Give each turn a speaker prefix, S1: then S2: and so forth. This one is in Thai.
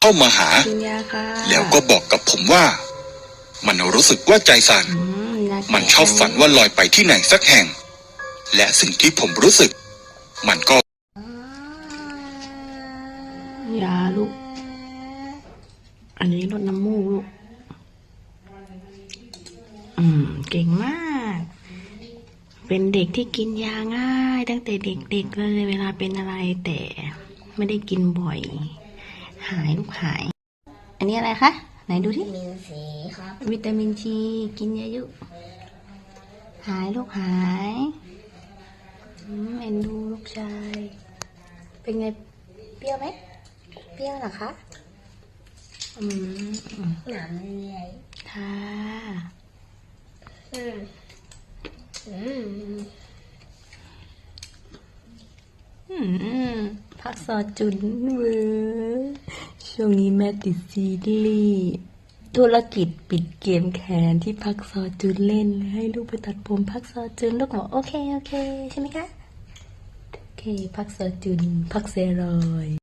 S1: เข้ามาหา
S2: กินยาค่ะ
S1: แล้วก็บอกกับผมว่า มันรู้สึกว่าใจสั่น มันชอบฝันว่าลอยไปที่ไหนสักแห่ง และสิ่งที่ผมรู้สึก มันก็
S2: ยาลูก อันนี้ลดน้ำมูกลูก เก่งมาก เป็นเด็กที่กินยาง่ายตั้งแต่เด็กๆเลยเวลาเป็นอะไรแต่ไม่ได้กินบ่อย หายลูกหาย อันนี้อะไรคะ ไหนดูที่
S3: วิตามินซีครับ
S2: วิตามินซีกินเยอะๆหายลูกหายเอ็นดูลูกชาย เป็นไงเปรี้ยวไหมเปรี้ยวเหรอคะ
S3: หนามเลีย
S2: ค่ะ พักซอจุนเวอช่วงนี้แม่ติดซีรีส์ธุรกิจปิดเกมแคนที่พักซอจุนเล่นให้ลูกไปตัดผมพักซอจุนลูกบอกโอเคใช่ไหมคะโอเคพักซอจุนพักเซรอย